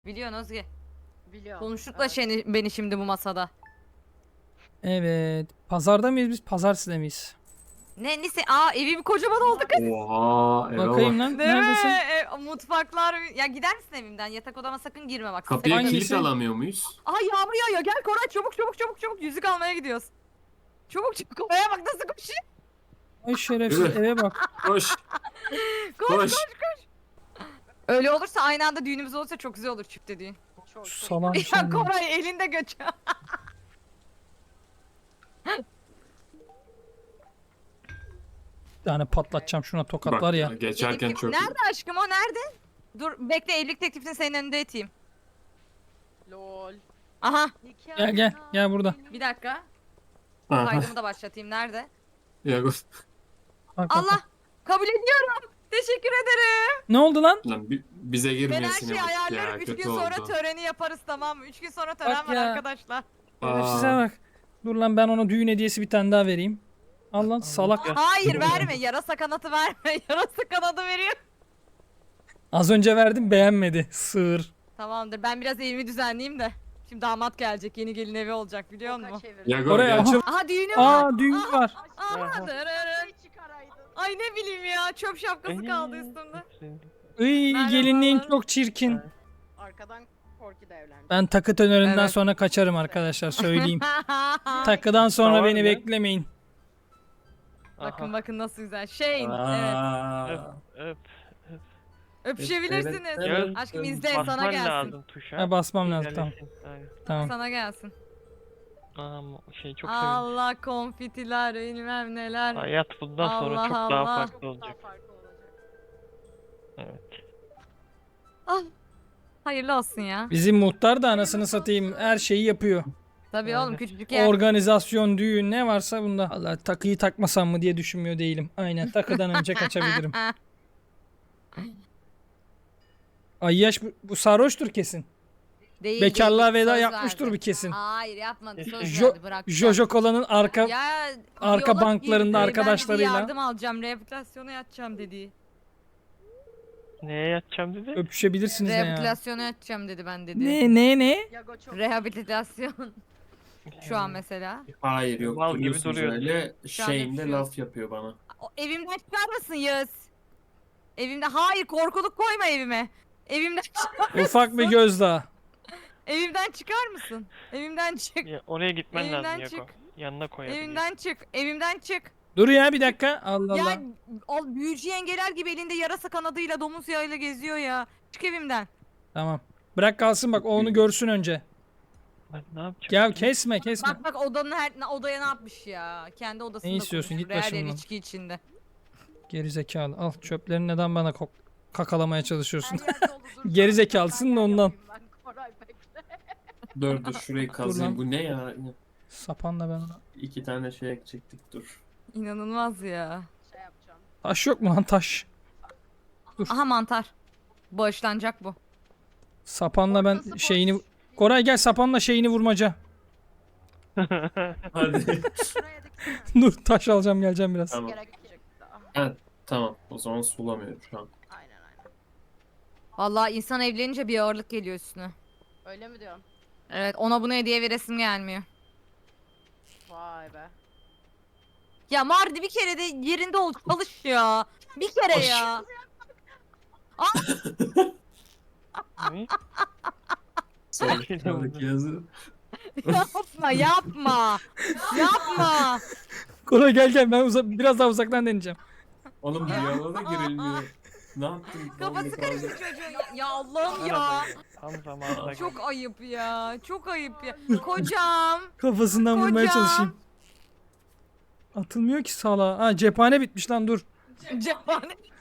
Biliyorsun Özge. Biliyorum. Konuştuk da Evet. beni şimdi bu masada. Evet. Pazarda mıyız biz? Pazartesi miyiz? Neyse evim kocaman oldu kız. Oha eve Bakayım bak. lan. Değil Neredesin? mi? Mutfaklar. Ya gider misin evimden? Yatak odama sakın girme bak. Kapıya Hangisi? kilit alamıyor muyuz? Aha yağmur yağıyor. Gel Koray çabuk. Yüzük almaya gidiyoruz. Çabuk. Koray'a bak nasıl koşuyor. Ay şerefsiz Yürü. eve bak. Koş. Koş. Koş. Öyle olursa aynı anda düğünümüz olursa çok güzel olur çifte düğün. Çok. Salam Ya şimdi. Koray elinde göç. Bir tane patlatacağım şuna tokat Bak var ya. geçerken çok Nerede aşkım o nerede? Dur bekle evlilik teklifini senin önünde eteyim. Lol. Aha Gel burada. bir dakika. Aha. Kaydımı da başlatayım. Nerede? Ya, Bak, bak, Allah bak. kabul ediyorum. Teşekkür ederim. Ne oldu lan? lan bize Ben her girmeyesin şeyi ya. ayarlarım. 3 Kötü gün sonra oldu. töreni yaparız tamam mı? 3 gün sonra tören Bak var ya. arkadaşlar. Şerefsize bak. Dur lan ben ona düğün hediyesi bir tane daha vereyim. Al lan salak. Hayır verme. Yarasa kanatı verme. Yarasa kanadı veriyor. Az önce verdim beğenmedi. Sığır. Tamamdır. Ben biraz evimi düzenleyeyim de. Şimdi damat gelecek. Yeni gelin evi olacak biliyor musun? Ya Oraya gel. açıl. Aha düğünü var. Aa düğün var. Aha dırırın. Ay ne bileyim ya. Çöp şapkası kaldı üstümde. Iy Merhabalar. gelinliğin çok çirkin. Arkadan Korki de evlendi. Ben takı tönöründen Evet. sonra kaçarım arkadaşlar söyleyeyim. Takıdan sonra Tamam beni mı? beklemeyin. Bakın nasıl güzel. Evet. Aa. Öp. Öpüşebilirsiniz. Gel. Aşkım izle sana Basman gelsin. lazım tuşa. Ha, basmam lazım, tamam. İlerlesin. Aynen. Tamam. Sana gelsin. Aa, çok sevindim. Allah konfitiler bilmem neler. Hayat bundan sonra Allah çok Allah. daha farklı Çok daha olacak. farklı olacak. Evet. Ah, hayırlı olsun ya. Bizim muhtar da anasını satayım her şeyi yapıyor. Tabii Aynen. oğlum küçücük yer. Organizasyon, düğün ne varsa bunda. Allah takıyı takmasam mı diye düşünmüyor değilim. Aynen takıdan önce kaçabilirim. Ayyaş bu sarhoştur kesin. Değil, Bekarlığa değil, veda söz yapmıştır verdi. bir kesin. Hayır yapmadı söz Jo verdi bırak. Jojo Cola'nın arka Ya, arka yola banklarında girdi, arkadaşlarıyla. Ben dedi yardım alacağım rehabilitasyona yatacağım dedi. Neye yatacağım dedi? öpüşebilirsiniz ne ya. Rehabilitasyona yatacağım dedi ben dedi. Ne? Yago çok Rehabilitasyon. Şu an mesela. Hayır yok Mal gibi duruyorsunuz duruyor. öyle. Şu an Şeyinde öpüşüyoruz. laf yapıyor bana. O, evimden çıkar mısın Yağız? Evimde hayır korkuluk koyma evime. Evimden çıkar Ufak bir gözdağı. Evimden çıkar mısın? Evimden çık. Ya, oraya gitmen Evimden lazım Yago. çık. Yanına koyabilir. Evimden çık. Evimden çık. Dur ya bir dakika. Allah Allah. Ya o büyücü yengeler gibi elinde yarasa kanadıyla domuz yağıyla geziyor ya. Çık evimden. Tamam. Bırak kalsın bak o onu görsün önce. Ben ne yapacağım? Ya kesme. Bak odaya ne yapmış ya. Kendi odasında Ne istiyorsun? Git konuşuyor. Her yer başımdan. içki içinde. Geri zekalı. Al çöplerini neden bana kakalamaya çalışıyorsun? her yer dolu, dur. Geri zekalısın da ondan. Yapayım ben, Koray bekle. Dur şurayı lan. kazayım. Bu ne ya? Sapanla ben ona. 2 tane şey ekecektik dur. İnanılmaz ya. Şey yapacağım. Taş yok mu lan taş? Aha mantar. Bağışlanacak bu. Sapanla ben Ortası şeyini... boş. Koray gel sapanla şeyini vurmaca. Hadi. Şuraya diksene. Dur taş alacağım geleceğim biraz. Tamam. Gerekecek daha. Tamam. O zaman sulamıyorum şu an. Aynen. Vallahi insan evlenince bir ağırlık geliyor üstüne. Öyle mi diyorsun? Evet ona bunu hediye veresim gelmiyor. Vay be. Ya Mardi bir kere de yerinde ol çalış ya. Bir kere Hoş. ya. Ne? Sonraki yazı. Yapma. Yapma. Koray gel ben biraz daha uzaktan deneyeceğim. Oğlum bir yana da girilmiyor. Ne yaptın? Kafası Vallahi karıştı çocuğun. Ya Allah'ım ya. Tam zamanında. Çok ayıp ya. Çok ayıp ya. Kocam. Kafasından vurmaya Kocam. çalışayım. Atılmıyor ki sala. Ha cephane bitmiş lan dur. Cephane.